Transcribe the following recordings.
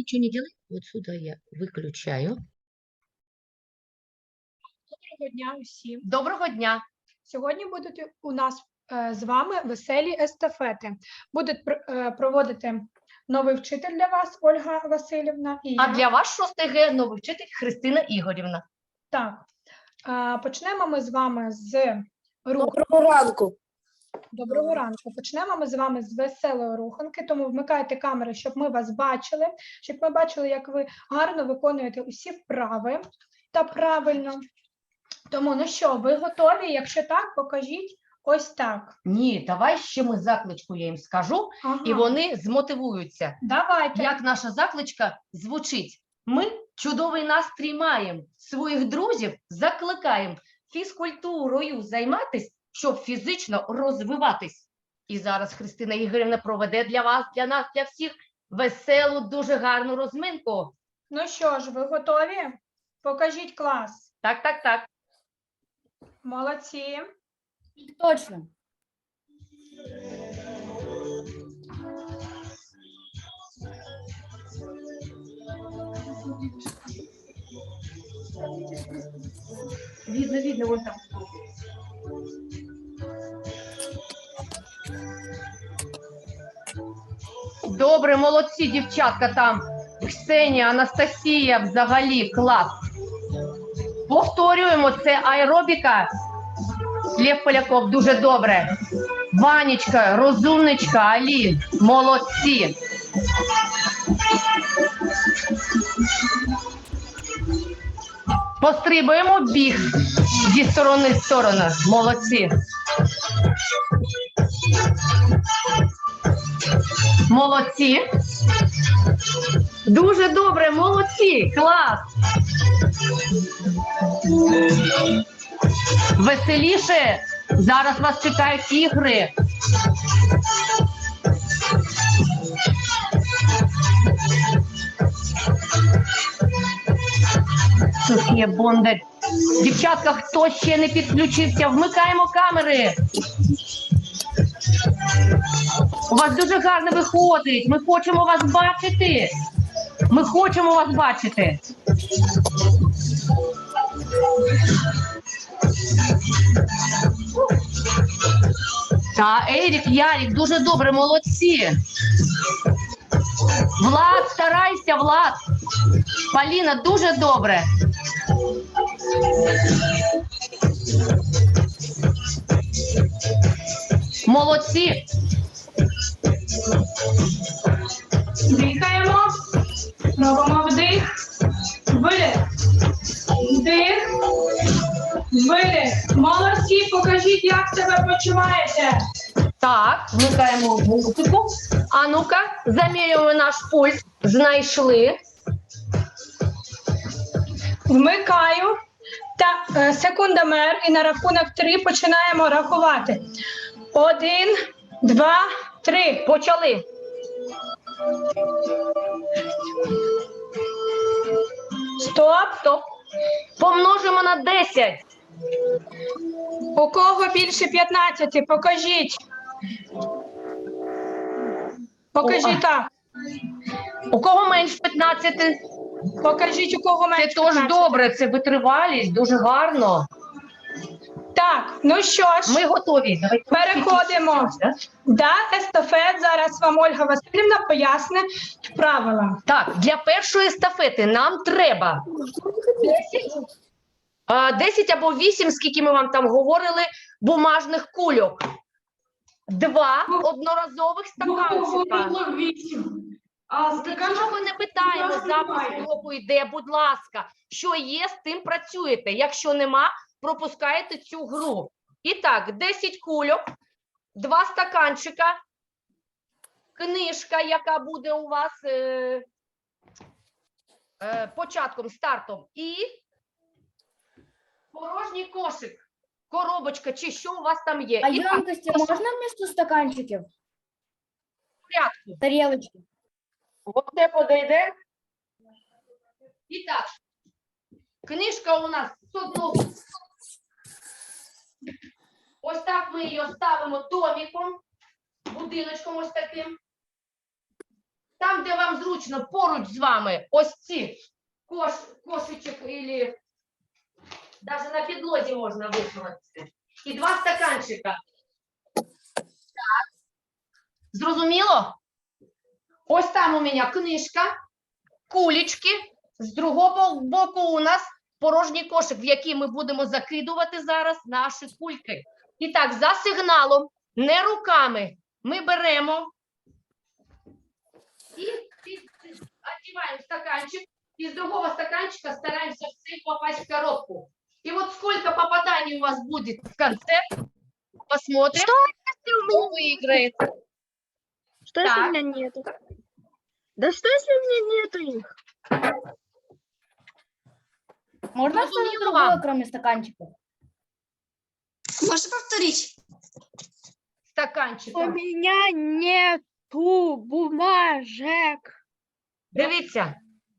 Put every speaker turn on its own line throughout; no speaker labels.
ничего не делай. Вот сюда я выключаю.
Доброго дня усім.
Доброго дня.
Сьогодні будуть у нас з вами веселі естафети. Буде проводити новий вчитель для вас, Ольга Васильівна. І
А для вас 6 Г новий вчитель Христина Ігорівна.
Так. Почнемо ми з вами з руху.
Доброго ранку.
Доброго ранку. Почнемо ми з вами з веселої руханки, тому вмикайте камери, щоб ми вас бачили, щоб ми бачили, як ви гарно виконуєте усі вправи та правильно. Тому, ну що, ви готові? Якщо так, покажіть ось так.
Ні, давай ще ми закличку я їм скажу, і вони змотивуються.
Давайте.
Як наша закличка звучить? Ми чудовий настрій маємо, своїх друзів закликаємо фізкультурою займатись, щоб фізично розвиватись. І зараз Христина Ігорівна проведе для вас, для нас, для всіх веселу, дуже гарну розминку.
Ну що ж, ви готові? Покажіть клас.
Так, так, так.
Молодці.
Точно.
Видно, вон там. Добре, молодці, дівчатка там. Ксенія, Анастасія, взагалі, клас. Повторюємо, це аеробіка. Лев Поляков, дуже добре. Ванечка, розумничка, Алі, молодці. Пострибуємо біг зі сторони в сторону. Молодці. Молодці. Дуже добре, молодці. Клас. Веселіше. Зараз вас чекають ігри. Софія Бондар. Дівчатка, хто ще не підключився, вмикаємо камери. У вас дуже гарно виходить. Ми хочемо вас бачити. Ми хочемо вас бачити. Та, Ерік, Ярік, дуже добре, молодці. Влад, старайся, Влад. Поліна, дуже добре. Молодці.
Дихаємо. Робимо вдих. Видих. Вдих. Видих. Молодці, покажіть, як себе почуваєте.
Так, вмикаємо музику. А ну-ка, замірюємо наш пульс. Знайшли.
Вмикаю. Та секундомер і на рахунок 3 починаємо рахувати. 1, 2, 3.
Почали.
Стоп.
Стоп. Помножимо на 10.
У кого більше 15? Покажіть. Покажіть так.
У кого менше 15?
Покажіть, у кого
Це
менше
теж
15.
добре, це витривалість, дуже гарно.
Так, ну що ж,
Ми готові. Давайте
переходимо до естафет. Зараз вам Ольга Васильівна пояснить правила.
Так, для першої естафети нам треба 10 або 8, скільки ми вам там говорили, бумажних кульок. 2 одноразових стаканчика. Якщо ви не питаємо, запис уроку йде, будь ласка, що є, з тим працюєте. Якщо нема, пропускаєте цю гру. І так, 10 кульок, 2 стаканчика, книжка, яка буде у вас початком, стартом, і порожній кошик, коробочка, чи що у вас там є.
А
І так,
емкости можно вместо стаканчиков?
в порядку.
Тарелочки.
Оце подойде. І так, книжка у нас з одного. Ось так ми її ставимо домиком, будиночком ось таким. Та там, де вам зручно, поруч з вами, ось ці кошечок, або навіть на підлозі можна висунути. І 2 стаканчика. Так. Зрозуміло? Ось там у мене книжка, кулечки. З другого боку у нас порожній кошик, в який ми будемо закидувати зараз наші кульки. І так, за сигналом, не руками, ми беремо и одеваем стаканчик, и с другого стаканчика стараемся всем попасть в коробку. И вот сколько попаданий у вас будет в конце, посмотрим, кто выиграет.
Что если
Так.
у меня нету? Да что если у меня нету их?
Можно что-то
Разумела
другое,
вам?
кроме стаканчиков?
Можно повторить?
У
Стаканчиком.
меня нету бумажек.
Дивіться.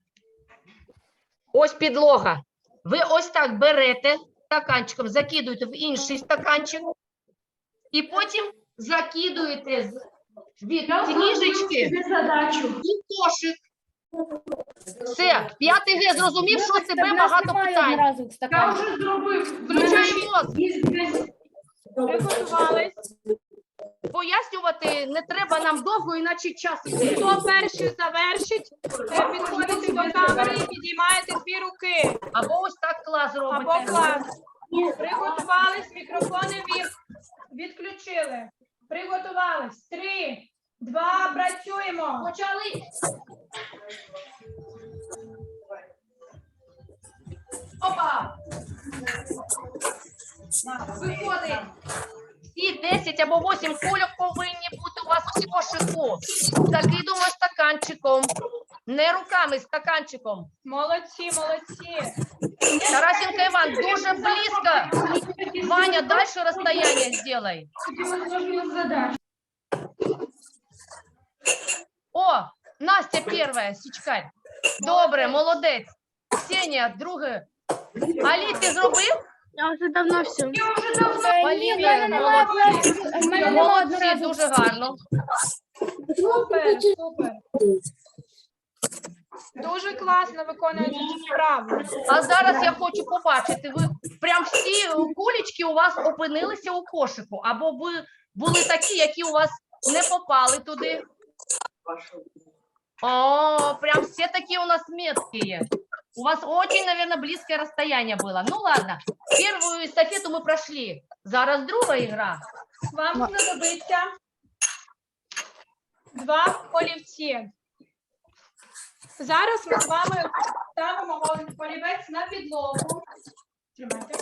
Ось підлога. Ви ось так берете стаканчиком, закидуєте в інший стаканчик, і потім закидуєте від книжечки в кошик. Все, 5 Г зрозумів, що
Вибачте,
тебе
в нас
багато
немає
питань.
одноразових стаканчиків.
Включай мозк.
Приготувались.
Пояснювати не треба нам довго, іначе час іде.
Хто перший завершить, підходите до камери і підіймаєте 2 руки.
Або ось так клас
Або
робите.
клас. Приготувались, мікрофони відключили. Приготувались. 3, 2, працюємо.
Почали. Опа! Виходить. Всі 10 або 8 кульок повинні бути у вас у кошику. Закидуємо стаканчиком. Не руками, стаканчиком.
Молодці, молодці.
Тарасенко Іван, дуже близько. Ваня, дальше расстояние сделай. О, Настя первая, січкарь. Добре, молодець. Ксенія, друге. Алі, ти зробив?
Я уже давно все.
Ні, в
Олівія,
мене немає
молодці.
пластику, в мене немає
Молодці,
одноразових.
дуже гарно.
Супер, супер. Дуже класно виконуєте цю справу.
А зараз я хочу побачити, ви прям всі кулечки у вас опинилися у кошику, або ви були такі, які у вас не попали туди. О, прям все такие у нас меткие. У вас очень, наверное, близкое расстояние было. Ну ладно, первую эстафету мы прошли. Зараз друга игра.
Вам знадобиться 2 олівці. Зараз ми з вами ставимо олівець на підлогу. Тримайте.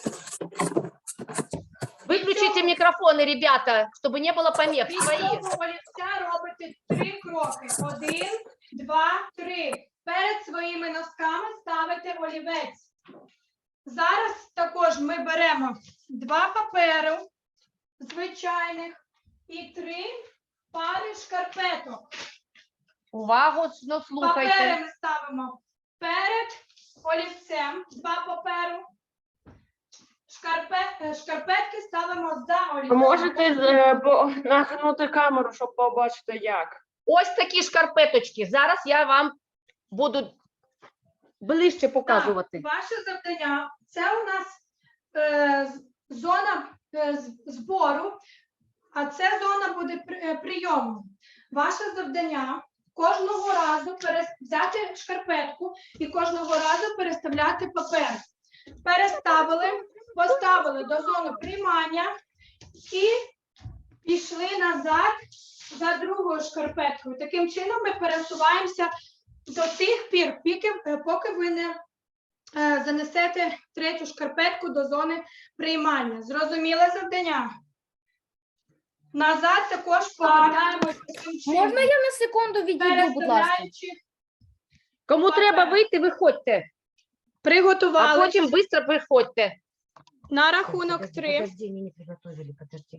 Выключите микрофоны, ребята, чтобы не было помех.
Від
Свои.
цього олівця робите 3 кроки. 1, 2, 3. Перед своїми носками ставите олівець. Зараз також ми беремо 2 паперу звичайних і 3 пари шкарпеток.
Увагу, ну,
Папери
слухайте.
ми ставимо перед олівцем, 2 паперу. Шкарпетки ставимо за олівцем.
Можете нахнути камеру, щоб побачити як.
Ось такі шкарпеточки. Зараз я вам буду ближче показувати.
Так, ваше завдання – це у нас зона збору, а це зона буде прийому. Ваше завдання – кожного разу взяти шкарпетку і кожного разу переставляти папер. Переставили, поставили до зони приймання і пішли назад за другою шкарпеткою. Таким чином ми пересуваємося до тих пір, поки ви не занесете 3-ю шкарпетку до зони приймання. Зрозуміле завдання? Назад також повертаємось таким чином.
Можна я на секунду відійду, будь ласка?
Переставляючи,
Кому треба вийти, виходьте. А
приготували
потім швидко приходьте.
на рахунок 3.
Подожди, они не приготовили, подожди.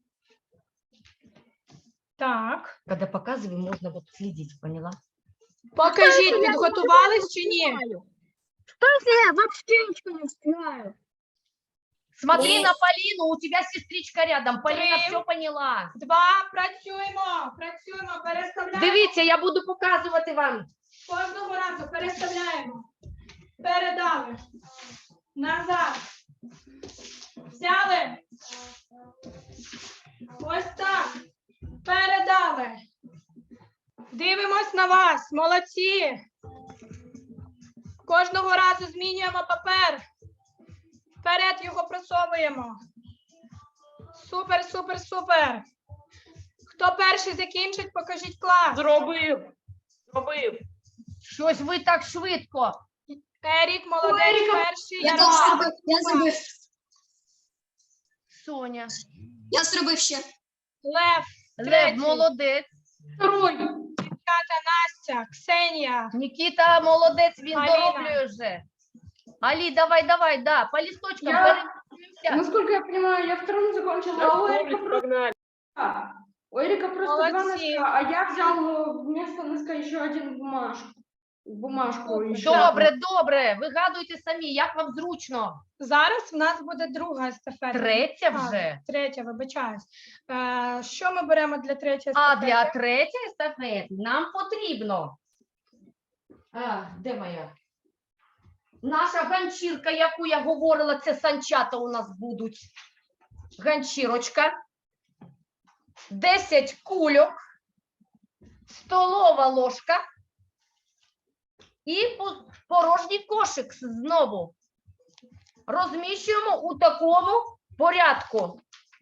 Так.
Когда показываем, можно вот следить, поняла?
Покажіть, підготувались чи ні?
Что если я вообще ничего не успеваю?
Смотри
Три.
на Полину, у тебя сестричка рядом. Полина
Три.
все поняла.
2, працюємо, переставляємо.
Дивіться, я буду показувати вам.
Кожного разу переставляємо. Передали. Назад. Взяли. Ось так. Передали. Дивимось на вас. Молодці. Кожного разу змінюємо папер. Вперед його просовуємо. Супер, супер, супер. Хто перший закінчить, покажіть клас.
Зробив.
Щось ви так швидко.
Ерік, молодець, перший.
Я
Ярослав.
теж зробив.
Соня.
Я зробив ще.
Лев.
Лев,
Третій.
молодець.
Ката, Настя, Ксенія.
Нікіта, молодець, він
Аліна.
дороблює вже. Алі, давай, да, по листочкам
Я-
перемістимося.
Насколько я понимаю, я вторым закончила, а у Эрика просто,
Погнали.
у Эрика просто 2
Молодцы.
носка, а я взял вместо носка еще один бумажку. еще.
Добре, вигадуйте самі, як вам зручно.
Зараз в нас буде друга естафета.
Третя
А,
вже.
Третя, вибачаюсь. Що ми беремо для третьої
А
естафети?
для третьої естафети нам потрібно. Де моя? Наша ганчірка, яку я говорила, це санчата у нас будуть. Ганчірочка. 10 кульок. Столова ложка. І порожній кошик знову. Розміщуємо у такому порядку.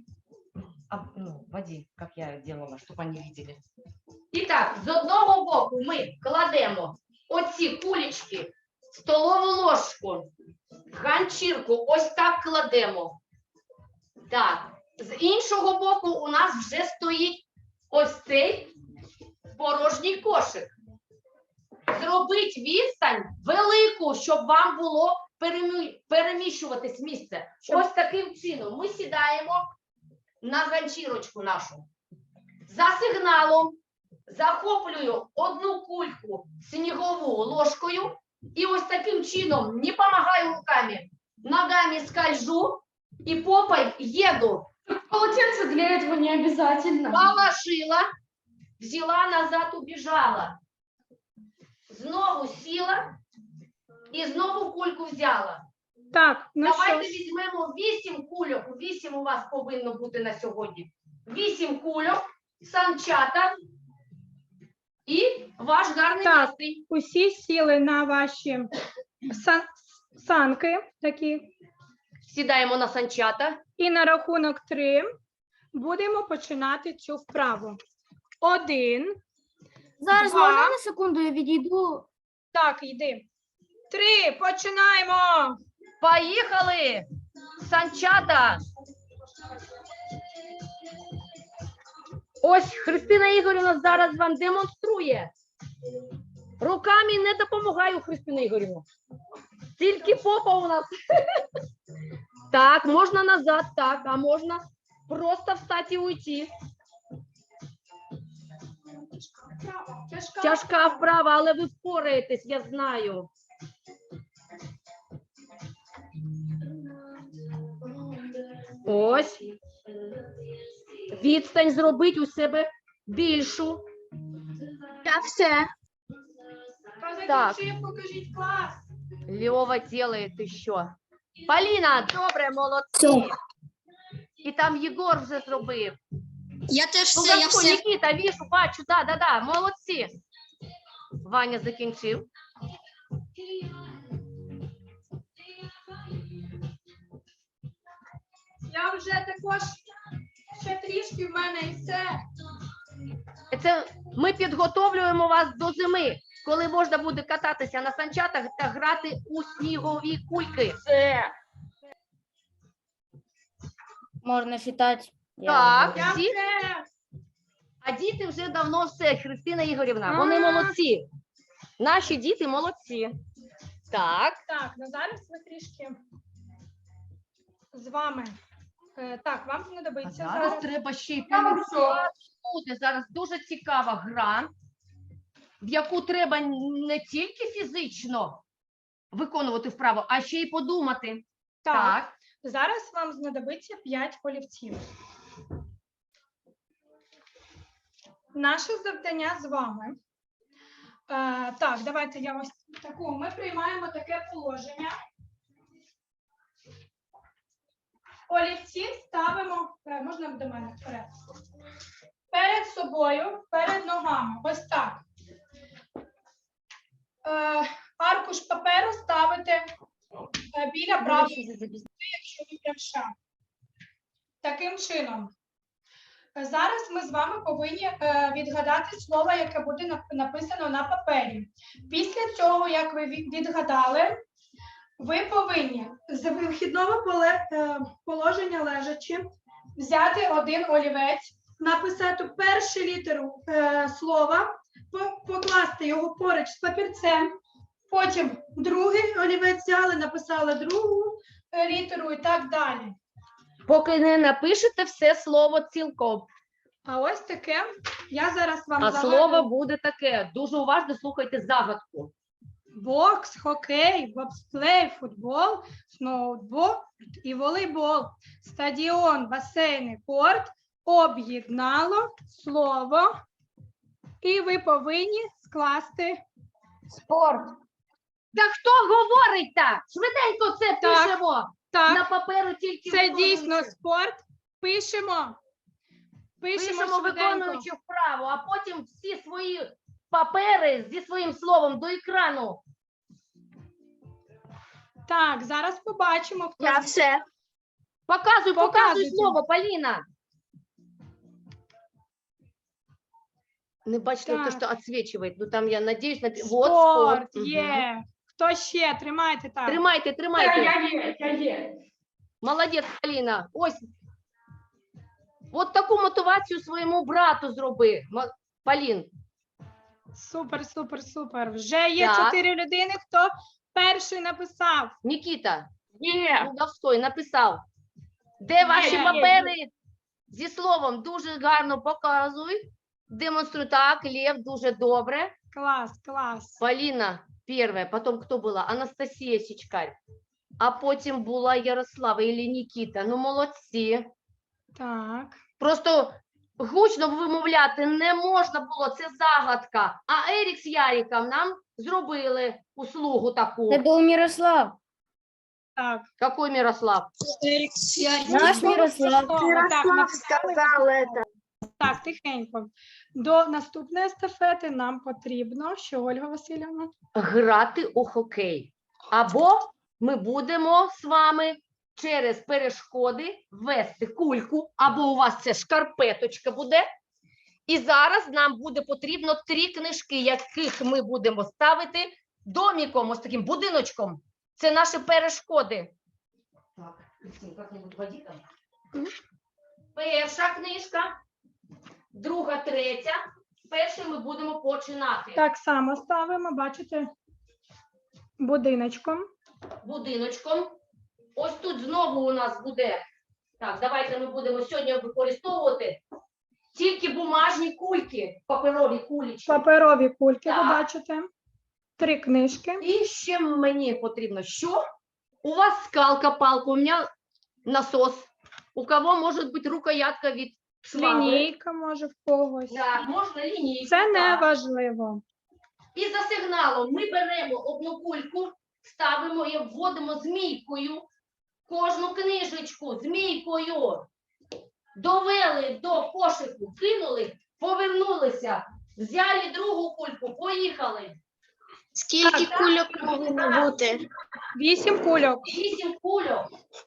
Води, як я делала, щоб вони бачили. І так, з одного боку ми кладемо оці кулечки, столову ложку, ганчірку, ось так кладемо. Так, з іншого боку у нас вже стоїть ось цей порожній кошик. Зробіть відстань велику, щоб вам було переміщуватись місце. Ось таким чином ми сідаємо на ганчірочку нашу. За сигналом захоплюю одну кульку снігову ложкою і ось таким чином не допомагаю руками, ногами скольжу і попой еду.
Полотенце для этого не обязательно.
Положила, взяла назад, убежала. Знову сіла і знову кульку взяла.
Так, ну що
Давайте
ж.
візьмемо 8 кульок. 8 у вас повинно бути на сьогодні. 8 кульок, санчата і ваш гарний
Так.
настрій.
Усі сіли на ваші санки такі.
Сідаємо на санчата.
І на рахунок 3 будемо починати цю вправу. 1.
Зараз
Два.
можна на секунду я відійду?
Так, йди. 3. Починаємо.
Поїхали! Санчата! Ось Христина Ігорівна зараз вам демонструє. Руками не допомагаю, Христина Ігорівна. Тільки попа у нас. Так, можна назад, так, а можна просто встати і уйти. Тяжка вправа, але ви впораєтесь, я знаю. Ось. Відстань зробіть у себе більшу.
Я все.
Так.
Покажіть клас.
Льова делает еще. Поліна, добре, молодці. І там Єгор вже зробив.
Я теж
Ну,
все, я
Гасько,
все.
Нікіта, вішу, бачу, да, молодці. Ваня закінчив.
Я вже також ще трішки в мене і все.
Це ми підготовлюємо вас до зими, коли можна буде кататися на санчатах та грати у снігові кульки.
Все.
Можна читати.
Так,
Я
всі?
все.
А діти вже давно все, Христина Ігорівна, вони молодці. Наші діти молодці. Так.
Так, ну зараз ми трішки з вами. Так, вам знадобиться
Зараз
зараз.
треба ще й
Я вам все.
буде зараз дуже цікава гра, в яку треба не тільки фізично виконувати вправу, а ще й подумати.
Так, Зараз вам знадобиться 5 олівців. Наше завдання з вами. Так, давайте я ось таку. Ми приймаємо таке положення. Олівці ставимо, можна до мене вперед. Перед собою, перед ногами. Ось так. Аркуш паперу ставите біля правої, якщо ви правша. Таким чином. Зараз ми з вами повинні відгадати слово, яке буде написано на папері. Після цього, як ви відгадали, ви повинні з вихідного положення лежачи взяти один олівець, написати першу літеру слова, покласти його поруч з папірцем, потім другий олівець взяли, написали другу літеру і так далі.
Поки не напишете все слово цілком.
А ось таке, я зараз вам
А
загадую.
слово буде таке. Дуже уважно слухайте загадку.
Бокс, хокей, бобслей, футбол, сноуборд і волейбол. Стадіон, басейн і корт об'єднало слово, і ви повинні скласти
Спорт.
Та хто говорить так? Швиденько це
Так.
пишемо. На
так.
паперу тільки
Це
виконуючи.
дійсно спорт. Пишемо.
Пишемо
швиденько.
виконуючи вправо, а потім всі свої папери зі своїм словом до екрану.
Так, зараз побачимо, хто
Я все.
Показуй
Показуйте.
слово, Поліна. Не бачите,
Так.
то, що відсвічує. Ну там я надіюсь на
спорт
Мгм.
є. Хто ще? Тримайте так.
Тримайте, тримайте.
Я є.
Молодець, Поліна. Ось. От таку мотивацію своєму брату зроби. Полін.
Супер, супер, супер. Вже є
Так.
4 людини, хто перший написав.
Нікіта.
Є.
Лудовской написав. Де ваші
є.
папери зі словом? Дуже гарно показуй. Демонструй. Так, Лев, дуже добре.
Клас, клас.
Поліна перша, потім хто була? Анастасія Січкарь. А потім була Ярослава і Нікіта. Ну, молодці.
Так.
Просто гучно вимовляти не можна було, це загадка. А Ерік з Яриком нам зробили услугу таку.
Это был Мирослав.
Так.
Какой Мирослав?
Наш Мирослав.
Так, написали.
сказал это.
Так, тихенько. До наступної естафети нам потрібно, що, Ольга Васильівна?
Грати у хокей. Або ми будемо з вами через перешкоди вести кульку, або у вас це шкарпеточка буде. І зараз нам буде потрібно 3 книжки, яких ми будемо ставити доміком, ось таким будиночком. Це наші перешкоди. Так, як-небудь воді там. Перша книжка, друга, третя. Першою ми будемо починати.
Так само ставимо, бачите, будиночком.
Будиночком. Ось тут знову у нас буде. Так, давайте ми будемо сьогодні використовувати тільки бумажні кульки, паперові кулечки.
Паперові кульки, ви
Так.
бачите. 3 книжки.
І ще мені потрібно, що? У вас скалка, палка, у мене насос. У кого може бути рукоятка від швабри.
Лінійка може в когось.
Так, можна лінійку.
Це не
так.
важливо.
І за сигналом ми беремо одну кульку, ставимо і вводимо змійкою кожну книжечку змійкою. Довели до кошику, кинули, повернулися, взяли другу кульку, поїхали.
Скільки кульок повинно бути?
8 кульок.
8 кульок.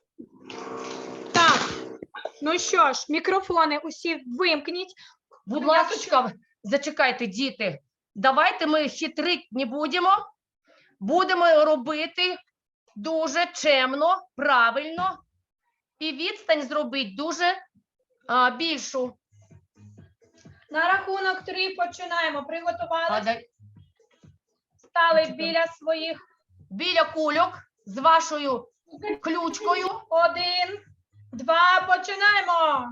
Так. Ну що ж, мікрофони усі вимкніть.
Будь ласка, зачекайте, діти. Давайте ми хитрити не будемо. Будемо робити дуже чемно, правильно. І відстань зробити дуже більшу.
На рахунок 3 починаємо. Приготувалися,
Дай-
стали біля своїх.
Біля кульок з вашою ключкою.
1, 2, починаємо.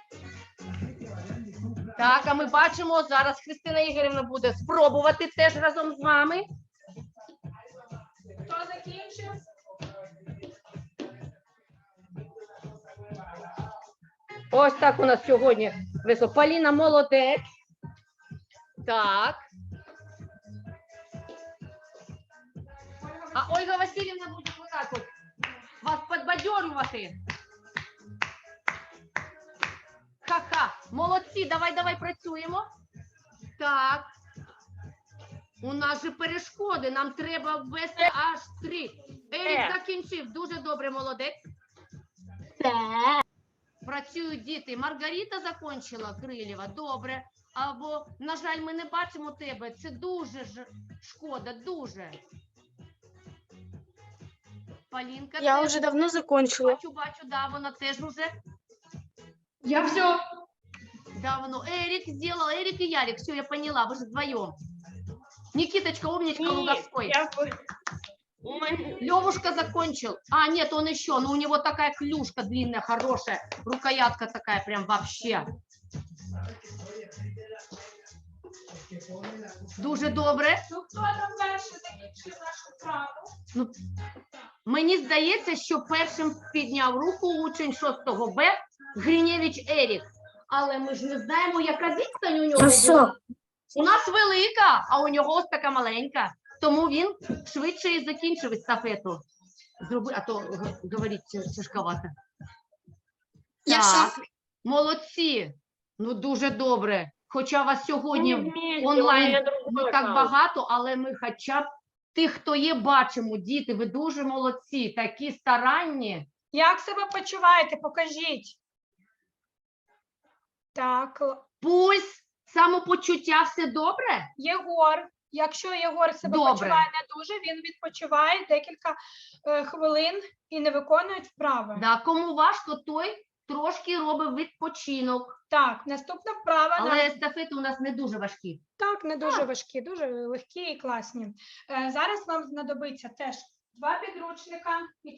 Так, а ми бачимо, зараз Христина Ігорівна буде спробувати теж разом з вами.
Хто закінчив?
Ось так у нас сьогодні весело. Поліна молодець. Так. А Ольга Васильівна буде отак от вас підбадьорювати. Ха-ха. Молодці, давай працюємо. Так. У нас же перешкоди, нам треба ввести аж 3. Ерік закінчив, дуже добре, молодець. Працюють діти. Маргарита закінчила, Крилєва, добре. Або, на жаль, ми не бачимо тебе, це дуже ж шкода, дуже. Полінка,
Я
теж
уже давно закончила.
бачу, да, вона теж уже.
Я все.
Да, воно. Эрик сделал, Эрик и Ярик, все, я поняла, вы же вдвоем. Никиточка, умничка, Луговской. Левушка закончил. А, нет, он еще, но у него такая клюшка длинная, хорошая, рукоятка такая прям вообще. Дуже добре.
Ну, хто там перший закінчив нашу вправу?
Мені здається, що першим підняв руку учень 6 Б Гриневич Ерік. Але ми ж не знаємо, яка відстань у нього була. У нас велика, а у нього ось така маленька. Тому він швидше і закінчив естафету. Зроби, а то говорить тяжковато.
Я
Так,
все.
молодці. Ну, дуже добре. Хоча вас сьогодні
Вместе,
онлайн
у меня
не
другой
так
аккаунт.
багато, але ми хоча б тих, хто є, бачимо. Діти, ви дуже молодці, такі старанні.
Як себе почуваєте? Покажіть. Так,
Пульс, самопочуття, все добре?
Єгор. Якщо Єгор себе
Добре.
почуває не дуже, він відпочиває декілька хвилин і не виконує вправи.
Да, кому важко, той трошки робить відпочинок.
Так, наступна вправа.
Але естафети у нас не дуже важкі.
Так, не дуже важкі, дуже легкі і класні. Зараз вам знадобиться теж 2 підручника і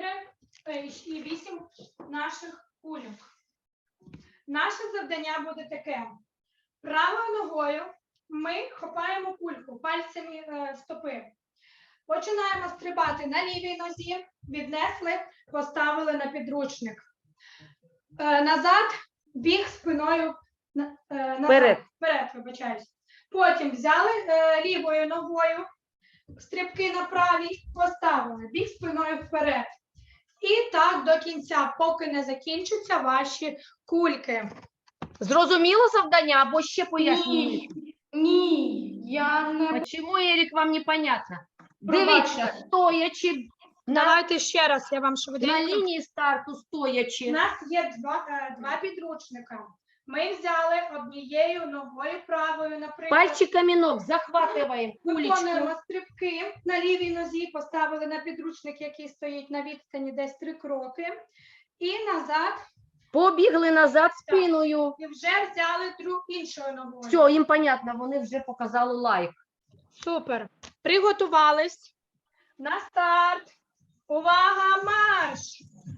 8 наших кульок. Наше завдання буде таке. Правою ногою ми хопаємо кульку пальцями стопи. Починаємо стрибати на лівій нозі, віднесли, поставили на підручник. Назад, біг спиною назад. Вперед, вибачаюсь. Потім взяли лівою ногою, стрибки на правій, поставили, біг спиною вперед. І так до кінця, поки не закінчаться ваші кульки.
Зрозуміло завдання або ще пояснюю?
Ні, я не...
Чому, Ерік, вам непонятно?
Пробачте.
Дивіться, стоячи
Давайте ще раз, я вам
на
швиденько.
лінії старту,
У
стоячи.
нас є два підручника. Ми взяли однією ногою правою, наприклад.
Пальчиками ног захватуємо кулечку.
Виконуємо стрибки на лівій нозі, поставили на підручник, який стоїть на відстані десь 3 кроки. І назад,
Побігли назад спиною.
і вже взяли іншою ногою.
Все, їм понятно, вони вже показали лайк.
Супер. Приготувались. На старт. Увага, марш!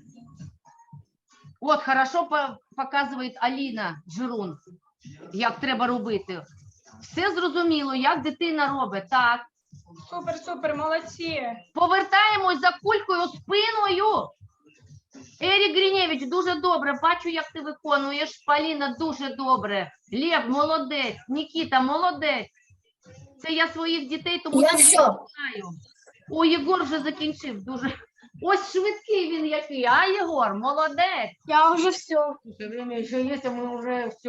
От, хорошо показує Аліна Жирун, як треба робити. Все зрозуміло, як дитина робить. Так.
Супер, супер, молодці.
Повертаємось за кулькою спиною. Ерік Гриневич, дуже добре. Бачу, як ти виконуєш. Поліна, дуже добре. Лев, молодець. Нікіта, молодець. Це я своїх дітей, тому
Я
що
все.
знаю. О, Єгор вже закінчив. Дуже. Ось швидкий він який. А, Єгор, молодець.
Я уже все.
Слушай, время еще есть, а мы уже все.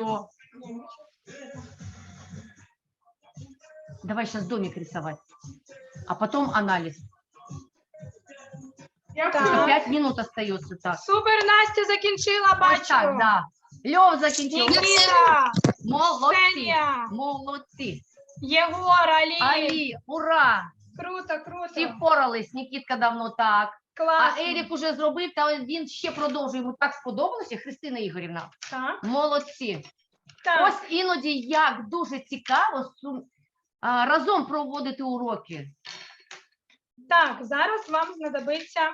Давай сейчас домик рисовать, а потом анализ.
Так.
5 минут остается так.
Супер, Настя закінчила,
Ось
бачу.
так, да. Лев закінчив.
Нікіта,
Молодці.
Ксенія,
Молодці.
Єгор, Алі.
Алі, ура.
Круто, круто.
Всі впорались. Нікітка давно так. А
Класно.
Ерік уже зробив, та він ще продовжує. Йому так сподобалося, Христина Ігорівна.
Так,
Молодці.
так.
Ось іноді як дуже цікаво разом проводити уроки.
Так, зараз вам знадобиться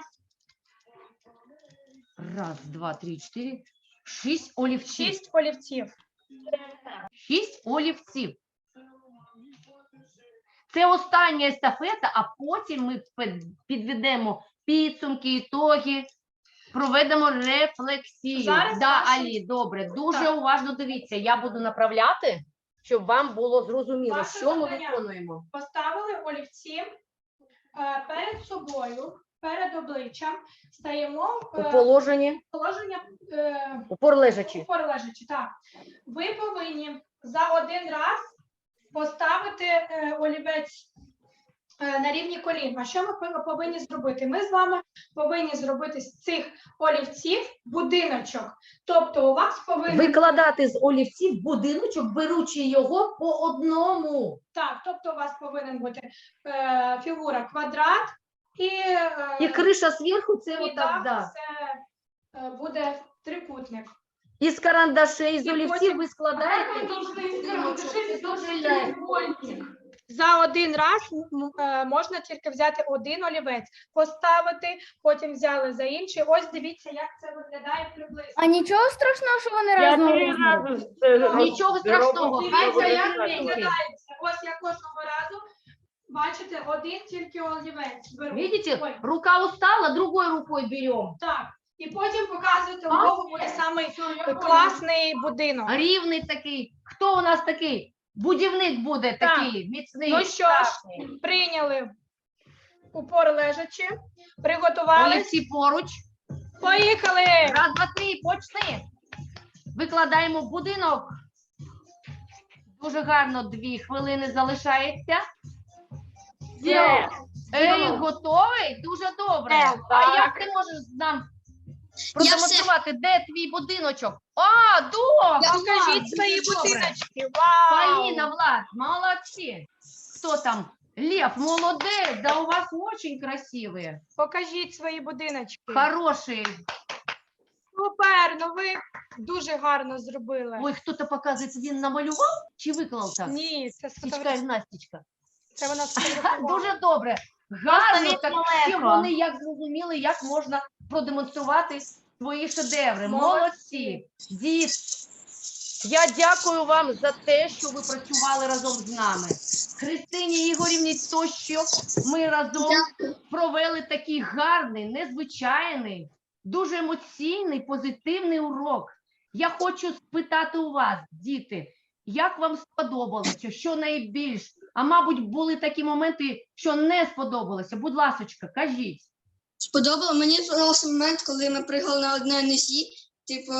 1, 2, 3, 4, 6 олівців.
6 олівців.
6 олівців. Це остання естафета, а потім ми підведемо підсумки, ітоги. проведемо рефлексію.
Зараз
Да,
наші-
Алі, добре, дуже
Так.
уважно дивіться. Я буду направляти, щоб вам було зрозуміло,
Ваше
що ми
завдання.
виконуємо.
Поставили олівці перед собою, перед обличчям, стаємо
У положенні,
положення
упор лежачи.
упор лежачи. Так. Ви повинні за один раз поставити олівець на рівні колін. А що ми повинні зробити? Ми з вами повинні зробити з цих олівців будиночок. Тобто у вас повинен
Викладати з олівців будиночок, беручи його по одному.
так, тобто у вас повинен бути фігура квадрат
І криша зверху це
і
отак,
так
да.
це буде трикутник.
Із карандашей, з
І
олівців
потім-
ви складаєте.
За один раз можна тільки взяти один олівець, поставити, потім взяли за інший. Ось дивіться, як це виглядає приблизно.
А нічого страшного, що вони
Я
разного
3
розміру?
рази
Нічого страшного, хай це як
Як
пеньки.
виглядається. Ось я кожного разу, бачите, один тільки олівець беру.
Видите,
Ой,
рука устала, другой рукой берем.
так. І потім показуєте, у
А?
кого буде самий класний будинок.
Рівний такий. Хто у нас такий? Будівник буде
Так.
такий, міцний.
Ну що ж,
страшний.
прийняли упор лежачи, приготувались.
Олівці поруч.
Поїхали!
Раз, два, три, почни. Викладаємо будинок. Дуже гарно, 2 хвилини залишається.
Є.
Ей, готовий? Дуже добре. А
Так.
як ти можеш нам продемонструвати, де твій будиночок? А, добре.
Покажіть свої
Дуже добре.
будиночки. Вау!
Поліна, Влад, молодці. Хто там? Лев, молодець, да у вас очень красивые.
Покажіть свої будиночки.
Хорошие.
Супер, ну ви дуже гарно зробили.
Ой, хто-то показує, він намалював чи виклав так?
Ні, це
Стічка гімнастичка.
Це вона сфотографувала.
Дуже добре. Гарно,
від
так
далеко.
всі вони як зрозуміли, як можна продемонструвати свої шедеври. Молодці. Дід, я дякую вам за те, що ви працювали разом з нами. Христині Ігорівні, то, що ми разом провели такий гарний, незвичайний, дуже емоційний, позитивний урок. Я хочу спитати у вас, діти, як вам сподобалося, що найбільш? А мабуть, були такі моменти, що не сподобалося. Будь ласочка, кажіть.
Мені сподобався момент, коли ми пригали на одне носі, типу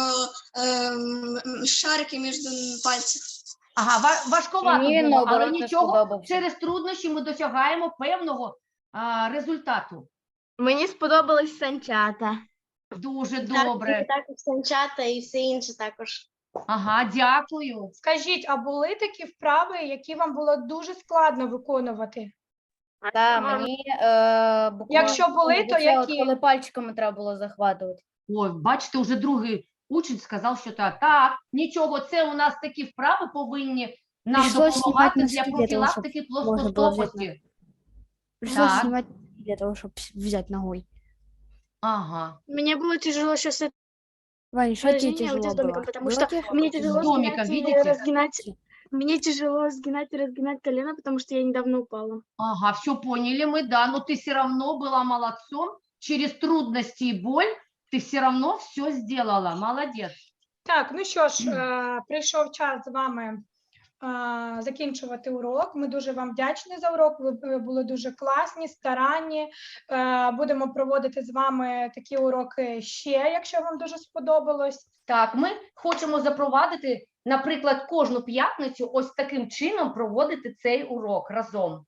шарики між пальців.
Ага, важковато
Мені
було, але
наоборот не
нічого,
сподобався.
через труднощі ми досягаємо певного результату.
Мені сподобались санчата.
Дуже добре.
Також санчата і все інше також.
Ага, дякую.
Скажіть, а були такі вправи, які вам було дуже складно виконувати?
Так, мені буквально,
Якщо були, то
оце от
які?
коли пальчиками треба було захватувати.
Ой, бачите, вже другий учень сказав, що так. Так, нічого, це у нас такі вправи повинні нам
Прийшлось
допомагати
знімати
для
носки для того, щоб
профілактики
можна було взяти
плоскостопості.
Пришлось
Так.
снимать для того, чтобы взять ногой.
Ага.
Мне было тяжело сейчас
Ваня, что тебе
упражнение
тяжело
с домиком,
было?
потому
Было
что
тебе
мне
тяжело?
тяжело
С домиком,
сгинать и
видите?
разгинать. Мне тяжело сгинать и разгинать колено, потому что я недавно упала.
Ага, все поняли мы, да, но ты все равно была молодцом, через трудности и боль ты все равно все сделала, молодец.
Так, ну що ж, прийшов час з вами закінчувати урок. Ми дуже вам вдячні за урок. Ви були дуже класні, старанні. Будемо проводити з вами такі уроки ще, якщо вам дуже сподобалось.
Так, ми хочемо запровадити, наприклад, кожну п'ятницю ось таким чином проводити цей урок разом.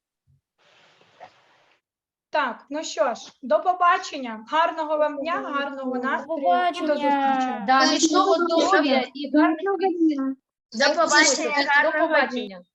Так, ну що ж, до побачення. Гарного вам дня, гарного настрою і до
побачення.
зустрічі.
Да,
Так,
міцного
всього
здоров'я і гарних
До
До побачення.